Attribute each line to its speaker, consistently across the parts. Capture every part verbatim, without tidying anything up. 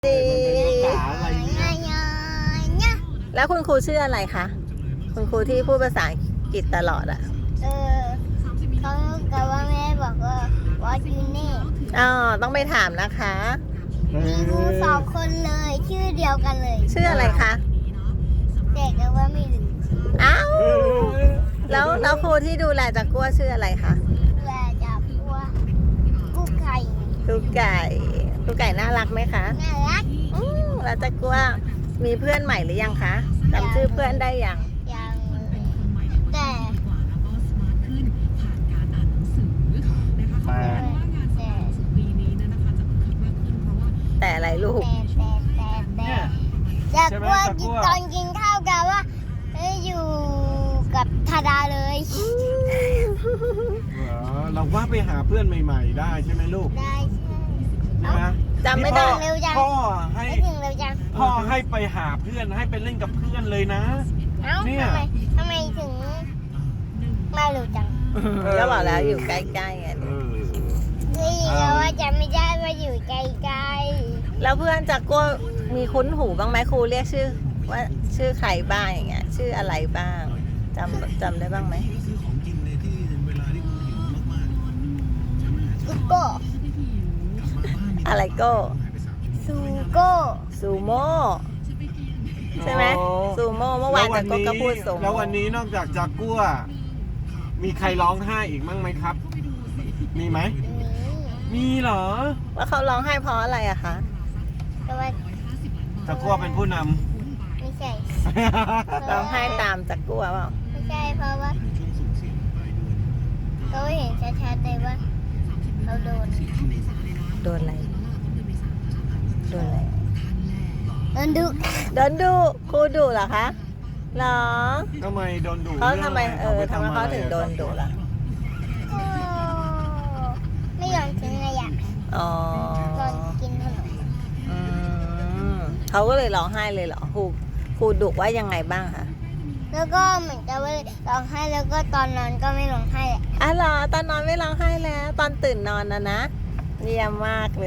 Speaker 1: ดี
Speaker 2: อะไรเนี่ย
Speaker 1: แล้วคุณครูชื่ออะไรคะ คุณครูที่พูดภาษาอังกฤษตลอดอ่ะ
Speaker 2: เออเขากับว่าแม่บอกว่า what you name
Speaker 1: อ๋อ ต้องไปถามนะคะ
Speaker 2: มีครูสองคนเลยชื่อเดียวกันเลย
Speaker 1: ชื่ออะไรคะ
Speaker 2: แต่ก็ว่าไม่รู้
Speaker 1: อ้าว แล้วแล้วครูที่ดูแลจากกัวชื่ออะไรคะ
Speaker 2: แลจะพูดว่ากู้ไก่
Speaker 1: ลูกไก่ลูกไก่น่ารักไหมคะ
Speaker 2: น่ารัก
Speaker 1: อืมแล้วจากกัวมีเพื่อนใหม่หรือยังคะจำชื่อเพื่อนได้ยัง
Speaker 2: ยังแต่
Speaker 3: แต่
Speaker 2: แต่
Speaker 1: แต่อะไรลูก
Speaker 2: แต่แต่แต่แต่อยากว่ากินตอนกินข้าวกันว่าเอ้ยอยู่กับธาดาเลย
Speaker 3: เหรอเราว่าไปหาเพื่อนใหม่ๆได้ใช่ไหมลูก
Speaker 2: ได้ใช่
Speaker 3: ใช่ไหม
Speaker 1: จำไม่ได้
Speaker 2: เร็วจัง
Speaker 3: พ่อให้
Speaker 2: ไม่ถึงเร็วจัง
Speaker 3: พ่อให้ไปหาเพื่อนให้ไปเล่นกับเพื่อนเลยนะ
Speaker 2: เอ้า
Speaker 3: เนี่ย
Speaker 2: ทำไมทำไมถึงมาเร็วจัง
Speaker 1: ก็บอกแล้วอยู่ใกล้ๆไง
Speaker 3: เออ
Speaker 2: เฮ้ยเราว่าจะไม่ได้ว่าอยู่ไกล
Speaker 1: แล้วเพื่อนจากกัวมีคุ้นหูบ้างไหมครูเรียกชื่อ ว่าชื่อใครบ้างอย่างเงี้ยชื่ออะไรบ้างจำจำได้บ้างไหม
Speaker 2: ๆกุโก้
Speaker 1: อะไรโก้
Speaker 2: ซูโก้
Speaker 1: ซูโม่ใช่ไหมซูโม่เมื่อวานจากกัวก็พูดซูโม่
Speaker 3: แล้ววันนี้นอกจากจากกัวมีใครร้องไห้อีกมั้งไหมครับ มีไหม
Speaker 2: นี่
Speaker 3: มีเหรอ
Speaker 1: ว่าเขาร้องไห้เพราะอะไรอะคะ
Speaker 2: แต่ว่า
Speaker 3: จากกัวเป็นผู้น
Speaker 2: ไม่ใช่
Speaker 3: ำ
Speaker 1: ร้องไห้ตามจากกัวเปล่า
Speaker 2: ไม่ใช่เพราะว่าเขาเห็นชัดๆเลยว่าเขาโดน
Speaker 1: โดนอะไรโดนอะไร
Speaker 2: โดนดุ
Speaker 1: โดนดุครูดุเหรอคะเหรอ
Speaker 3: ทำไมโดนดุ
Speaker 1: เขาทำไมเออ
Speaker 3: ไป
Speaker 1: ทำไมเขาถึงโดนดุล่ะ
Speaker 2: โอ้ไม่ยอมกินอะไรอ่ะ
Speaker 1: อ๋อ
Speaker 2: ตอนกินขนม
Speaker 1: อืมเขาก็เลยร้องไห้เลยเหรอครูครูดุว่ายังไงบ้างคะ
Speaker 2: แล้วก็เหมือนกับว่าร้องไห้แล้วก็ตอนนอนก็ไม่ร้องไห้แหละ
Speaker 1: อ๋อเหรอตอนนอนไม่ร้องไห้แล้ว ตอนตื่นนอนนะนะเยี่ยมมากเลย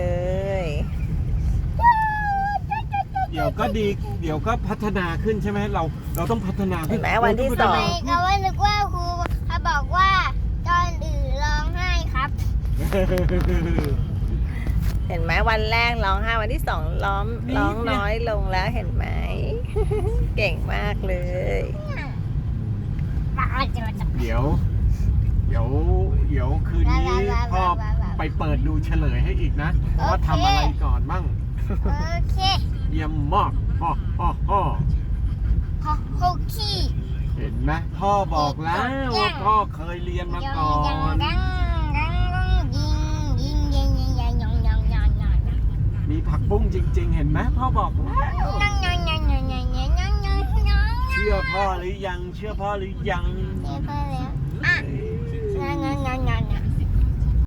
Speaker 3: เดี๋ยวก็ดี เดี๋ยวก็พัฒนาขึ้นใช่ไหมเรา เราต้องพัฒนา
Speaker 1: เห็
Speaker 3: ขึ้
Speaker 1: นไหมวันที่สอง
Speaker 2: ไม่ก็ว่านึกว่าครูเขาบอกว่าตอนอื่นร้องไห้ครับ
Speaker 1: เห็นไหมวันแรกร้องไห้วันที่สองร้องร้องน้อยลงแล้วเห็นไหม เก่งมากเลย
Speaker 3: เดี๋ยว เดี๋ยว เดี๋ยวคืนนี้พ่อไปเปิดดูเฉลยให้อีกนะว่าทำอะไรก่อนบ้าง
Speaker 2: โอเค
Speaker 3: เยี่ยมมากฮ่อฮ่อฮ่อ
Speaker 2: ฮอโฮกี้
Speaker 3: เห็นไหมพ่อบอกแล้วว่าพ่อเคยเรียนมาก่อน
Speaker 2: ดังดังดังยิงยิงยิงยิงยิงยิงยิงยิงยิง
Speaker 3: มีผักบุ้งจริง ๆ เห็นไหมพ่อบอกแล้ว
Speaker 2: ยิงยิงยิงยิงยิงยิงยิงยิงยิง
Speaker 3: เชื่อพ่อหรือยัง เชื่อพ่อหรือยัง
Speaker 2: เรียบร้อยแล้วอ่ะยิงยิงยิงยิง